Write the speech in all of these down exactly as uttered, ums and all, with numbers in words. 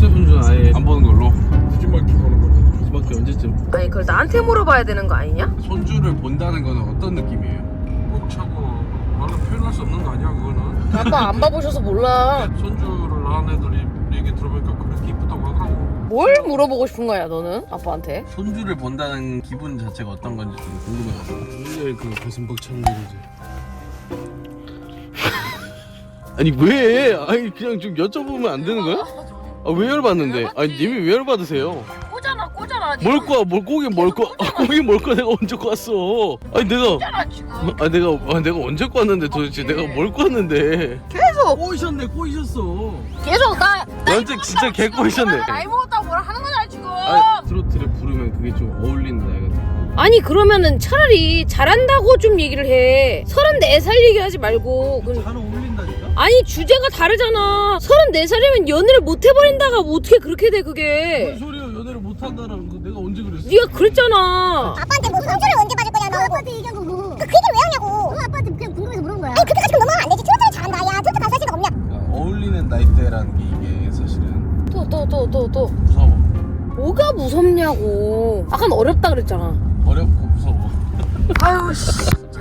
첫째 손주는 아예 안 보는 걸로. 늦은mar기 보는 걸로. 늦은mar기 언제쯤? 아니 그걸 나한테 물어봐야 되는 거 아니냐? 손주를 본다는 거는 어떤 느낌이에요? 꼭 차고 말로 표현할 수 없는 거 아니야 그거는. 아빠 안 봐보셔서 몰라. 손주를 낳은 애들이 얘기 들어보니까 그렇게 이쁘다고 하더라고. 뭘 물어보고 싶은 거야 너는 아빠한테? 손주를 본다는 기분 자체가 어떤 건지 좀 궁금해가지고. 굉장히 그 가슴 벅찬 일이지. 아니 왜? 아니 그냥 좀 여쭤보면 안 되는 거야? 아 왜 열받는데? 아니 님이 왜 열받으세요? 꼬잖아 꼬잖아. 뭘 꼬아? 뭘 꼬긴 뭘 꼬아? 아, 꼬긴 뭘 꼬아? 내가 언제 꼬았어? 아니 내가 꼬잖아 지금. 아 내가 아 내가 언제 꼬았는데 도대체 내가 뭘 꼬았는데? 계속 꼬이셨네 꼬이셨어. 계속 나 완전 진짜 개 꼬이셨네. 나이 먹었다고 뭐라 하는 거잖아 지금. 아니 트로트를 부르면 그게 좀 어울리는 나이 같아. 아니 그러면은 차라리 잘한다고 좀 얘기를 해. 서른네 살 얘기하지 말고. 그- 잘 어울린다니까? 아니 주제가 다르잖아. 서른네 살이면 연애를 못 해버린다가 뭐 어떻게 그렇게 돼 뭔 그게. 소리야? 연애를 못한다는 거 내가 언제 그랬어? 네가 그랬잖아. 아빠한테 뭐 손주를 언제 받을 거냐 너 아빠한테 얘기한 거고 그 얘기를 왜 하냐고 너 아빠한테 그냥 궁금해서 물은 거야 아니 그렇게까지 넘어가면 안 되지 트로트를 잘한다 야 트로트 가수 할 생각 없냐 그러니까 어울리는 나이대라는 게 이게 사실은 또 또 또 또 또 무서워. 뭐가 무섭냐고. 아까 어렵다 그랬잖아. 어렵고 무서워. 아유 씨.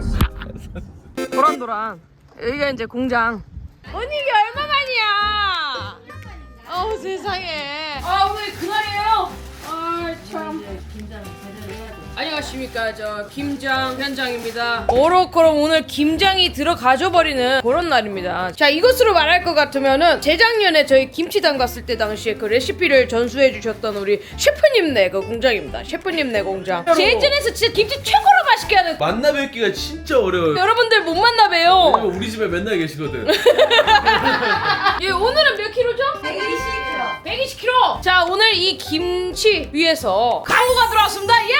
도란도란. 여기가 이제 공장. 언니 이게 얼마만이야? 아우 세상에. 아 오늘 그날이에요. 아 참. 안녕하십니까, 저 김장 현장입니다. 오로코로 오늘 김장이 들어가져 버리는 그런 날입니다. 자, 이것으로 말할 것 같으면은 재작년에 저희 김치당 갔을 때 당시에 그 레시피를 전수해 주셨던 우리 셰프님네 그 공장입니다. 셰프님네 공장. 제인전에서 진짜 김치 최고로 맛있게 하는. 만나 뵙기가 진짜 어려워요. 여러분들 못 만나 봬요. 왜냐면 우리 집에 맨날 계시거든. 예, 오늘은 몇 킬로죠? 백이십 킬로. 백이십 킬로. 자, 오늘 이 김치 위에서 광고가 들어왔습니다. 예!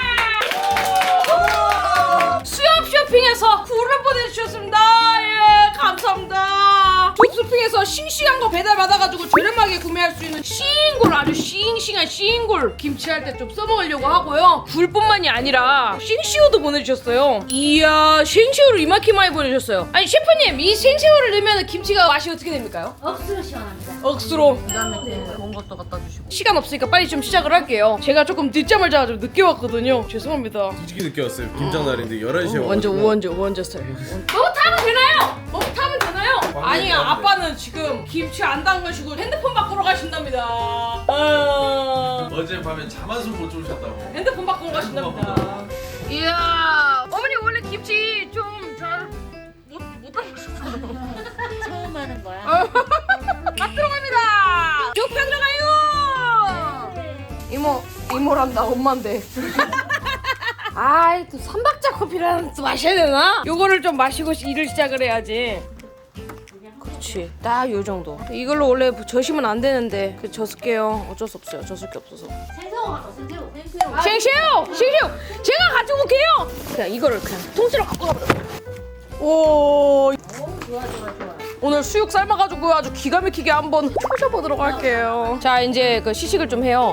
수협 쇼핑에서 굴을 보내주셨습니다. 예, 감사합니다. 숲쇼핑에서 싱싱한 거 배달 받아가지고 저렴하게 구매할 수 있는 싱굴, 아주 싱싱한 싱굴 김치할 때 좀 써먹으려고 하고요. 굴뿐만이 아니라 생새우도 보내주셨어요. 이야, 생새우를 이만큼 많이 보내주셨어요. 아니 셰프님, 이 생새우를 넣으면 김치가 맛이 어떻게 됩니까요? 억수로 시원합니다 억수로. 좋은 것도 갖다 주시고. 시간 없으니까 빨리 좀 시작을 할게요. 제가 조금 늦잠을 자가지고 늦게 왔거든요. 죄송합니다. 솔직히 늦게 왔어요. 김장 날인데 열한 시에 어, 완전 우원재 우원재 스타일. 너무 타면 되나요? 너무 타면 되나요? 아니 아빠는 지금 김치 안 담그시고 핸드폰 바꾸러 가신답니다. 어... 어젯밤에 잠 한숨 못 주무셨다고. 핸드폰 바꾸러 가신답니다. 이야, 어머니 원래 김치 좀 잘 못 못 담그셨어요. 처음 하는 거야 맛 들어갑니다. 육파 들어가요. 이모 이모란다 엄마인데. 아이 또 삼박자 커피라는 또 마셔야 되나? 요거를 좀 마시고 일을 시작을 해야지. 그렇지, 딱 요 정도. 이걸로 원래 저시면 안 되는데 그 젖을게요. 어쩔 수 없어요. 젖을 게 없어서. 생새우 갖고 생새우 생새우 생새우! 생새우! 제가 가지고 올게요! 그냥 이거를 그냥 통째로 갖고 가버려. 오, 오 좋아 좋아 좋아 오늘 수육 삶아가지고 아주 기가 막히게 한번 푸셔보도록 할게요. 자, 이제 그 시식을 좀 해요.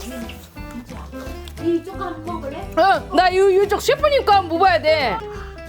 이쪽 한번 먹을래? 응, 나 이, 이쪽 셰프님 거 한번 먹어야 돼.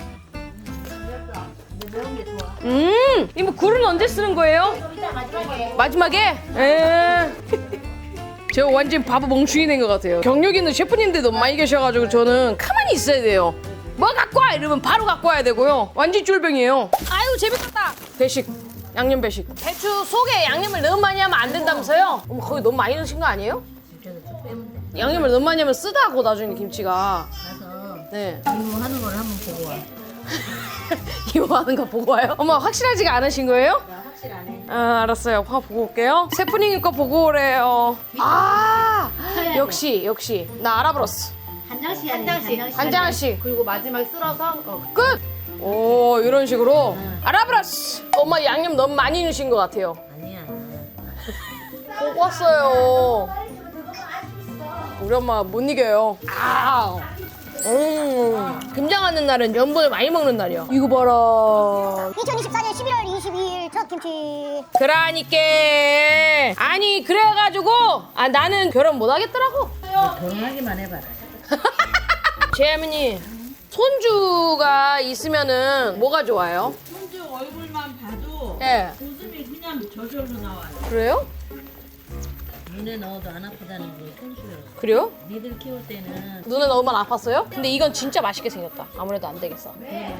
매운 게 좋아 음, 이모 굴은 언제 쓰는 거예요? 좀 이따 마지막에 마지막에? 에. 제가 완전 바보 멍충이 된 것 같아요. 경력 있는 셰프님들 너무 많이 계셔가지고 저는 가만히 있어야 돼요. 뭐 갖고 와 이러면 바로 갖고 와야 되고요. 완전 쫄병이에요. 아유 재밌겠다. 배식, 양념 배식. 배추 속에 양념을 너무 많이 하면 안 된다면서요? 어머, 거기 너무 많이 넣으신 거 아니에요? 양념을 너무 많이 하면 쓰다고 나중에 김치가. 가서 네. 이모 하는 걸 한번 보고 와 이거 하는 거 보고 와요? 엄마 확실하지가 않으신 거예요? 나 확실하네 아, 알았어요. 한번 보고 올게요. 셰프님 거 보고 오래요. 아, 역시 역시 나 알아버렸어. 한 장씩 한 장씩 한 장씩 그리고 마지막에 쓸어서 어. 끝. 오, 이런 식으로 알아버렸어. 엄마 양념 너무 많이 넣으신 것 같아요. 아니야 보고 왔어요. 우리 엄마 못 이겨요. 아, 음, 김장하는 날은 염분을 많이 먹는 날이야. 이거 봐라. 이천이십사 년 십일월 이십이일 첫 김치 그러니까 아니 그래가지고 아 나는 결혼 못 하겠더라고. 결혼하기만 해봐라 제 할머니 손주가 있으면은 뭐가 좋아요? 손주 얼굴만 봐도 예. 웃음이 그냥 저절로 나와요. 그래요? 눈에 넣어도 안 아프다는 게 현수예요. 그래요? 니들 키울 때는 눈에 넣으면 아팠어요? 근데 이건 진짜 맛있게 생겼다. 아무래도 안 되겠어.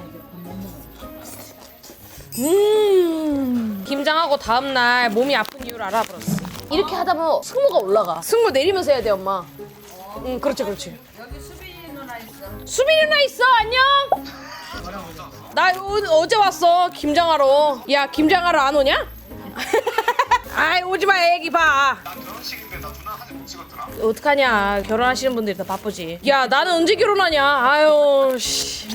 음. 김장하고 다음날 몸이 아픈 이유를 알아버렸어. 이렇게 하다 보면 승모가 올라가. 승모 내리면서 해야 돼, 엄마. 응, 그렇지, 그렇지. 여기 수빈이 누나 있어. 수빈이 누나 있어, 안녕. 나 어, 어제 왔어, 김장하러. 야, 김장하러 안 오냐? 아이, 오지 마, 애기 봐. 나 결혼식인데 나 누나 사진 못 찍었더라. 어떡하냐, 결혼하시는 분들이 다 바쁘지. 야, 나는 언제 결혼하냐. 아유, 씨.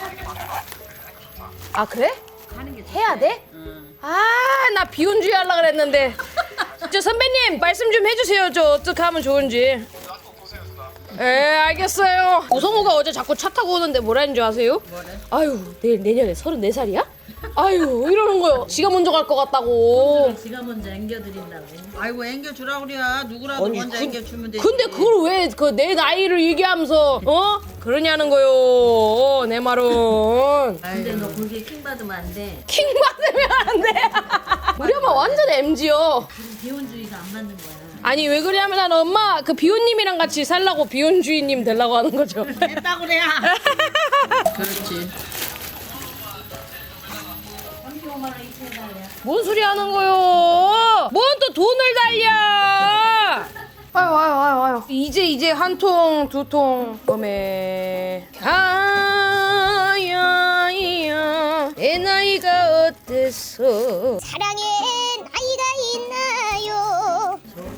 아, 그래? 해야 돼? 아, 나 비혼주의 하려고 그랬는데. 저 선배님 말씀 좀 해주세요. 저 어떻게 하면 좋은지. 나도 보세요 누나. 예, 알겠어요. 우성우가 어제 자꾸 차 타고 오는데 뭐라 했는 줄 아세요? 뭐래? 아유, 내일 내년에 서른네 살이야? 아유, 이러는 거요. 지가 먼저 갈 것 같다고. 지가 먼저 앵겨드린다고. 아이고 앵겨주라 그래야 누구라도 아니, 먼저 그- 앵겨주면 되지. 근데 그걸 왜 그 내 나이를 얘기하면서 어? 그러냐는 거요. 어, 내 말은. 근데 너 거기에 킹 받으면 안 돼. 킹 받으면 안 돼. 우리 엄마 완전 엠지요. 비혼주의가 안 맞는 거야. 아니 왜 그러냐면 난 엄마 그 비혼님이랑 같이 살라고 비혼주의님 되려고 하는 거죠. 했다 그래야. 그렇지. 뭔 소리 하는 거요? 뭔 또 돈을 달려? 아유 아유 아유 아유. 이제 이제 한 통 두 통 범에 가야야 내 나이가 어때서? 사랑엔 나이가 있나요?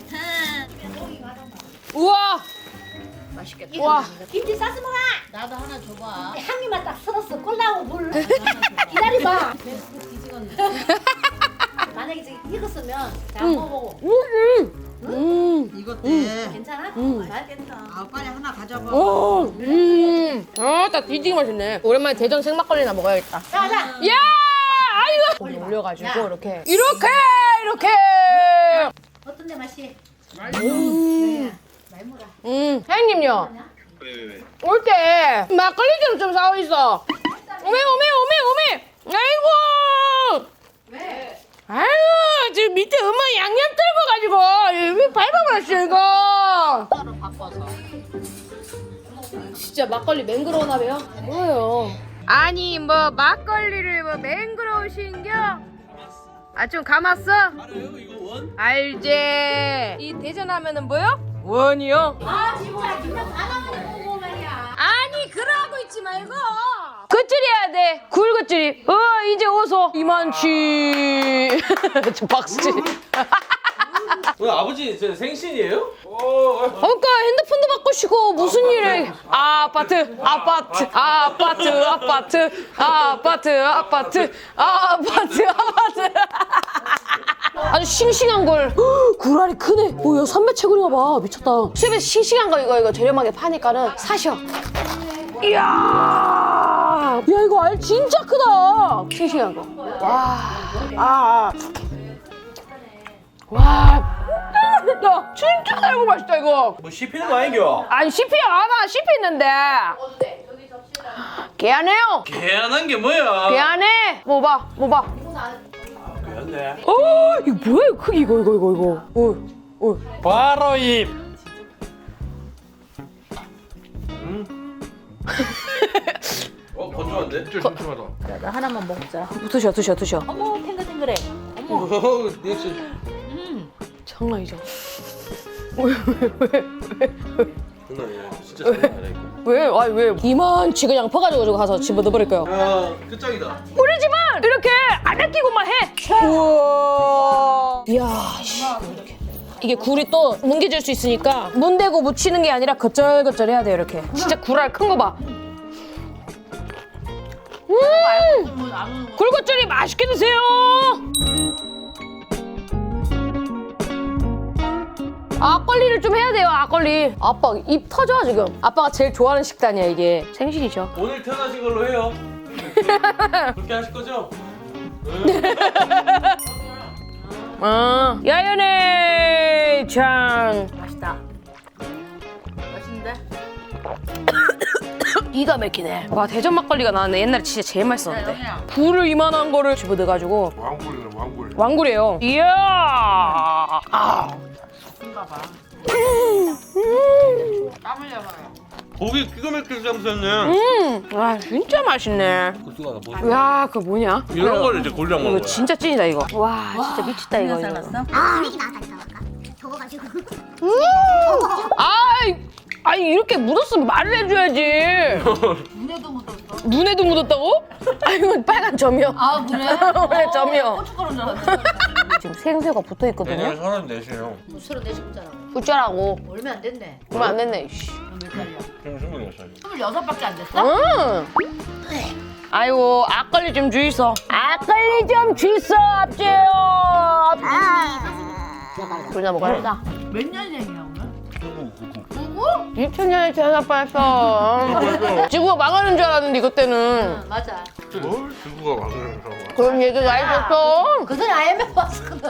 우와 맛있겠다. 우와 김치 싸서 먹어. 나도 하나 줘봐. 향기만 딱 썰었어. 꼴라고 물. 기다려봐. 만약에 저기 익었으면 다 먹어보고. 음. 음. 이것 때. 괜찮아? 맛있겠다. 아 빨리 하나 가져봐. 오, 음, 아, 딱 뒤지게 맛있네. 오랜만에 대전 생막걸리나 먹어야겠다. 자, 자. 야, 아이고. 고기 올려가지고 이렇게, 이렇게, 이렇게. 어떤데 맛이? 음, 음, 사장님요. 왜 왜 왜? 올 때 막걸리 좀 좀 사오 있어. 오메, 오메, 오메, 오메. 아이고. 왜? 아유, 지금 밑에 엄마 양념 떨궈가지고 이거 밟아버렸어 이거. 따로 바꿔서. 진짜 막걸리 맹그러우나 봐요? 뭐예요? 아니 뭐 막걸리를 뭐 맹그러우신겨? 아 좀 감았어? 알아요 이거 원? 알지. 이 대전 하면은 뭐요? 원이요? 아, 진짜 김장 다 나가는 거고 말이야. 아니 그러고 있지 말고 겉절이 해야 돼. 굴 겉절이. 어 이제 오소 이만치. 저 박수치. 오늘 아버지 저 생신이에요? 그러니까 핸드폰도 바꾸시고 무슨 일에 아파트 아파트 아파트 아파트 아파트 아파트 아파트 아파트 아주 싱싱한 걸 구라리 크네. 뭐야 삼배채굴인가 봐. 미쳤다. 수입에서 싱싱한 거 이거 이거 저렴하게 파니까는 사셔. 이야 야 이거 알 진짜 크다. 싱싱한 거와아 와, 맛있다. 진짜 달고 맛있다 이거. 뭐 씹히는 거 아니겨? 아니 씹히야 않아. 씹히는데. 개안해요. 개안한 게 뭐야? 개안해. 뭐 봐, 뭐 봐. 개안네. 어, 이거 뭐야? 이거 크기 이거 이거 이거 이거. 어, 어. 바로 입. 어 건조한데? 진짜 심심하다. 나 하나만 먹자. 드셔, 드셔, 드셔. 어머 탱글탱글해. 어, 리액션. 장난이죠. 장난 아니야. 진짜 장난 아니야 이거. 왜? 아니 왜? 이만치 그냥 퍼가지고 저거 가서 집어 넣어버릴까요? 야 끝장이다. 우리 집은 이렇게 안 아끼고만 해. 우와. 이야, 씨. 이렇게. 이게 굴이 또 뭉개질 수 있으니까 문대고 묻히는 게 아니라 겉절겉절 해야 돼요 이렇게. 진짜 굴알 큰 거 봐. 음! 굴겉절이 맛있게 드세요. 막걸리를 좀 해야 돼요. 막걸리. 아빠 입 터져 지금. 아빠가 제일 좋아하는 식단이야 이게. 생신이죠. 오늘 태어나신 걸로 해요. 그렇게 하실 거죠? 아, 야연의 장. 맛있다. 맛있는데? 기가 막히네. 와 대전 막걸리가 나왔네. 옛날에 진짜 제일 맛있었는데. 굴을 이만한 거를 집어 넣어가지고 왕골이네 왕골. 왕굴이에요. 이야. 아. 봐봐. 땀 흘려봐요. 고기 기가 막히게 잡으셨네. 음, 와 진짜 맛있네. 고수가 뭐 야, 그거 뭐냐? 이런 거를 이제 골라 먹는 이거 거야. 진짜 찐이다 이거. 와, 진짜 미쳤다 이거. 이거. 살았어? 아 분위기 나왔다니까 아까 더워가지고 아이, 아니 이렇게 묻었으면 말을 해줘야지. 눈에도 묻었어. 눈에도 묻었다고? 아 이건 빨간 점이요. 아 그래? 원래 점이요. 고춧가루인 줄 알았어. 지금 생새가 붙어 있거든요. 서른넷이에요. 서른 네 시부잖아. 붙자라고. 얼마 안 됐네. 그러면 안 됐네. 씨. 몇 살이야? 지금 스물여섯 살. 스물여섯밖에 안 됐어? 응. 아이고 악걸리 좀 주이소. 악걸리 좀 주이소 앞지요. 불나 먹어야겠다. 몇 년생이야 오늘? 이천 년에 태어날 뻔했어. 지구가 망하는 줄 알았는데 이것 때는. 응 맞아. 뭘 지구가 망하면서 그런 얘기가 있었어. 그 전에 아이엠에프 왔을 거다.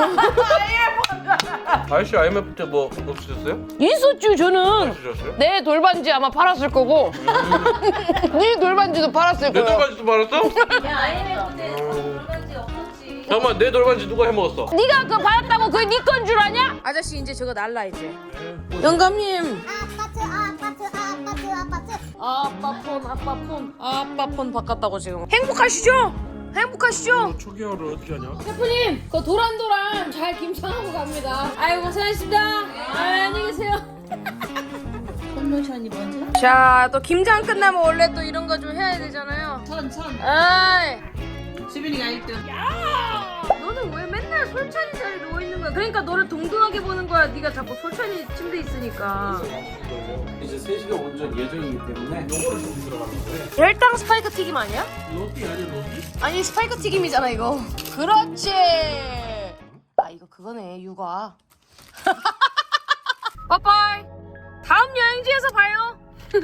아저씨 아이엠에프 때 뭐 없으셨어요? 있었죠 저는. 없으셨어요? 내 돌반지 아마 팔았을 거고. 네 돌반지도 팔았을 내 거야. 돌반지도 말았어? 야 아이엠에프 때 돌반지 없었지. 잠깐만 내 돌반지 누가 해먹었어? 네가 그거 받았다고 그게 네 건 줄 아냐? 아저씨 이제 저거 날라 이제. 영감님. 아파트 아파트 아파트 아파트 아빠 폰 아빠 폰 아빠 폰 바꿨다고 지금. 행복하시죠? 행복하시죠? 초기화를 어떻게 하냐? 셰프님, 그 도란도란 잘 김장하고 갑니다. 아이고 고생하셨습니다. 아, 안녕히 계세요. 콘로션이 뭔지? 자, 또 김장 끝나면 원래 또 이런 거 좀 해야 되잖아요. 천 천. 아이, 수빈이가 일 등. 너는 왜 맨날 솔찬이 자리에 누워 있는 거야? 그러니까 너를 동등하게 보는 거야. 네가 자꾸 솔찬이 침대에 있으니까. 이제 세 시간 운전 예정이기 때문에 요거를 좀 들어가는데 열당 스파이크 튀김 아니야? 로티 아니야 로티? 아니 스파이크 튀김이잖아 이거. 그렇지. 아 이거 그거네 육아. 빠빠이. 다음 여행지에서 봐요.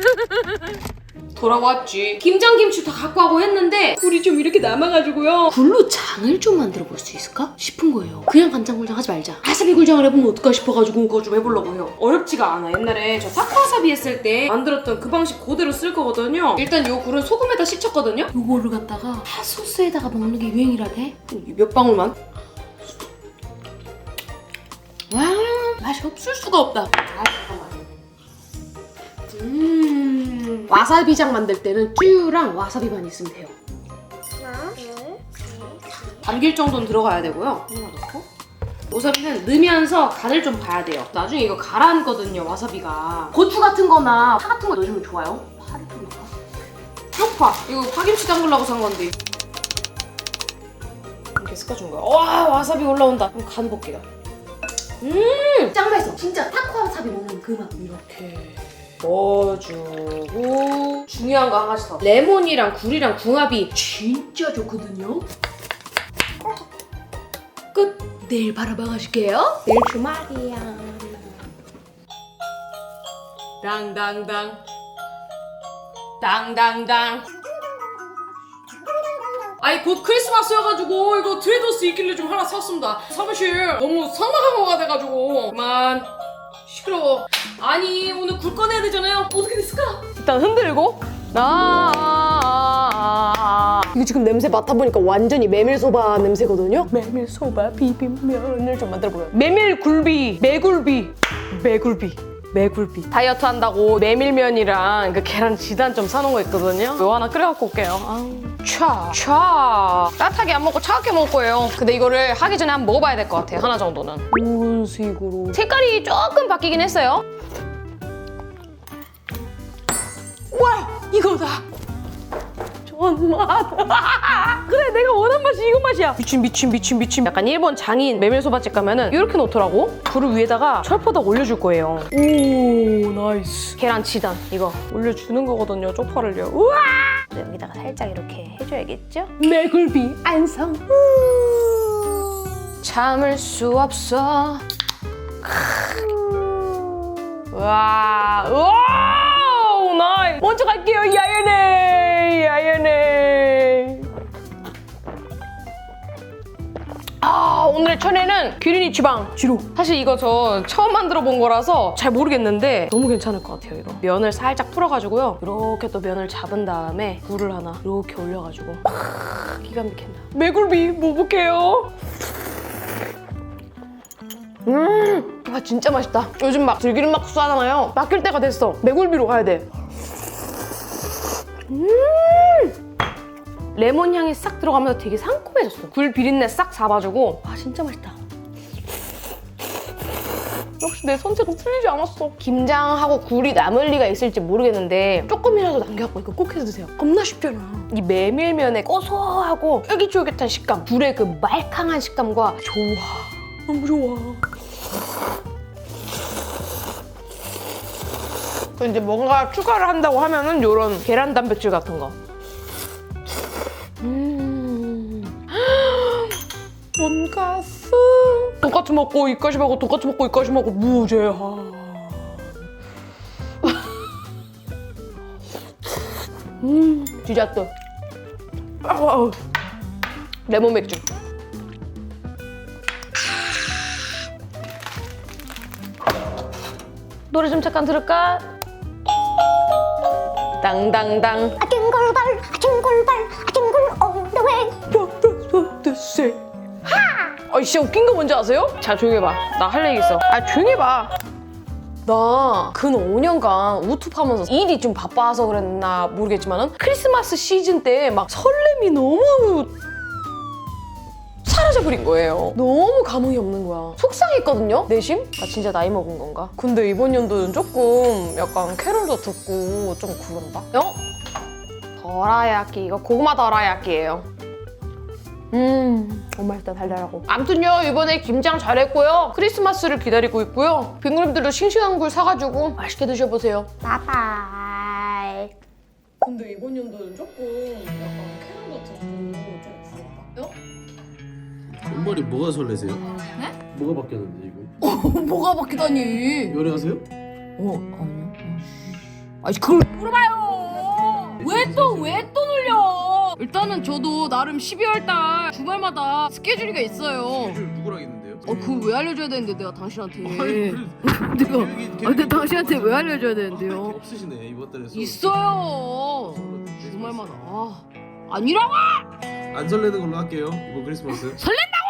돌아왔지. 김장김치 다 갖고 하고 했는데 굴이 좀 이렇게 남아가지고요. 굴로 장을 좀 만들어 볼 수 있을까 싶은 거예요. 그냥 간장굴장 하지 말자. 와사비 굴장을 해보면 어떨까 싶어가지고 그거 좀 해보려고 해요. 어렵지가 않아. 옛날에 저 타코와사비 했을 때 만들었던 그 방식 그대로 쓸 거거든요. 일단 요 굴은 소금에다 씻혔거든요. 요거를 갖다가 핫소스에다가 먹는 게 유행이라대. 몇 방울만. 와 맛이 없을 수가 없다. 아 잠깐만. 음 와사비장 만들 때는 쭈랑 와사비만 있으면 돼요. 담길 정도는 들어가야 되고요. 하나 넣고 와사비는 넣으면서 간을 좀 봐야 돼요. 나중에 이거 가라앉거든요 와사비가. 고추 같은 거나 파 같은 거 넣어주면 좋아요. 파를 좀 넣을까? 쪽파 이거 파김치 담그려고 산 건데 이렇게 섞어준 거야. 와 와사비 올라온다. 그럼 간 볼게요. 음 짱 맛있어. 진짜 타코 와사비 먹는 그 맛. 이렇게 넣어주고 중요한 거 한 가지 더. 레몬이랑 굴이랑 궁합이 진짜 좋거든요. 끝. 내일 바로 먹어줄게요. 내일 주말이야. 당당당 당당당. 아니 곧 크리스마스여가지고 이거 트레이더스 있길래 좀 하나 샀습니다. 사무실 너무 상막한거가 돼가지고 그만. 시끄러워. 아니 오늘 굴 꺼내야 되잖아요. 어떻게 됐을까? 일단 흔들고 아 이거 지금 냄새 맡아보니까 완전히 메밀소바 냄새거든요. 메밀소바 비빔면을 좀 만들어볼까요? 메밀굴비 매굴비 매굴비 매굴비 다이어트 한다고 메밀면이랑 그 계란 지단 좀 사놓은 거 있거든요. 이거 하나 끓여갖고 올게요. 차, 차. 따뜻하게 안 먹고 차갑게 먹을 거예요. 근데 이거를 하기 전에 한번 먹어봐야 될 것 같아요. 하나 정도는. 이런 식으로. 색깔이 조금 바뀌긴 했어요. 와, 이거다. 존맛. 그래, 내가 원한 맛이 이거 맛이야. 미친, 미친, 미친, 미친. 약간 일본 장인 메밀소바집 가면은 이렇게 놓더라고. 굴을 위에다가 철포덕 올려줄 거예요. 오, 나이스. 계란 치단 이거 올려주는 거거든요. 쪽파를요. 우와. 여기다가 살짝 이렇게 해줘야겠죠? 매굴비 안성. 참을 수 없어. 와, 우와, 나이스. 먼저 갈게요, 야연해, 야연해. 아, 오늘의 천혜는 기린이 지방 지루. 사실 이거 저 처음 만들어 본 거라서 잘 모르겠는데 너무 괜찮을 것 같아요. 이거 면을 살짝 풀어가지고요, 이렇게 또 면을 잡은 다음에 굴을 하나 이렇게 올려가지고 아, 기가 막힌다. 매굴비 먹어볼게요. 음 와 진짜 맛있다. 요즘 막 들기름 막국수 하잖아요. 맡길 때가 됐어. 매굴비로 가야 돼. 음 레몬 향이 싹 들어가면서 되게 상콤해졌어. 굴 비린내 싹 잡아주고 와 진짜 맛있다. 역시 내 선택은 틀리지 않았어. 김장하고 굴이 남을 리가 있을지 모르겠는데 조금이라도 남겨갖고 이거 꼭 해서 드세요. 겁나 쉽잖아. 이 메밀면의 고소하고 쫄깃쫄깃한 식감, 굴의 그 말캉한 식감과 좋아. 너무 좋아. 이제 뭔가 추가를 한다고 하면은 이런 계란 단백질 같은 거. 음. 돈가스. 돈가스 먹고 입가시 먹고 돈가스 먹고 입가시 먹고 무제한. 음, 디저트. 아우. 레몬 맥주. 노래 좀 잠깐 들을까? 땅땅땅. 아 둥글발 아 둥글발 아 둥글 on the way. 아 진짜 웃긴 거 뭔지 아세요? 자 조용히 해봐. 나 할 얘기 있어. 아 조용히 해봐. 나 근 오 년간 우투하면서 일이 좀 바빠서 그랬나 모르겠지만은 크리스마스 시즌 때 막 설렘이 너무 사라져버린 거예요. 너무 감흥이 없는 거야. 속상했거든요, 내심? 나 진짜 나이 먹은 건가? 근데 이번 연도는 조금 약간 캐롤도 듣고 좀 그런다? 어? 더라야끼. 이거 고구마 더라야끼예요. 음, 너무 맛있다, 달달하고. 아무튼요, 이번에 김장 잘했고요. 크리스마스를 기다리고 있고요. 빙그림들도 싱싱한 굴 사가지고 맛있게 드셔보세요. 바이바이. 근데 이번 연도는 조금 약간 캐롤도 듣고 좀 그런다? 어? 앞머리 뭐가 설레세요? 네? 뭐가 바뀌었는데 이거? 뭐가 바뀌다니? 요리하세요? 어, 아니요. 아니 그걸 물어봐요. 왜 또 왜 또 놀려? 일단은 저도 나름 십이월 달 주말마다 스케줄이가 있어요. 누구랑 있는데요? 어, 그걸 왜 알려줘야 되는데 내가 당신한테. 아니, 내가 계획이- 아, 근데 계획이- 당신한테 왜 알려줘야 되는데요? 없으시네 이번 달에. 있어요. 주말마다. 아, 아니라고! 안 설레는 걸로 할게요 이번 크리스마스. 설렌다!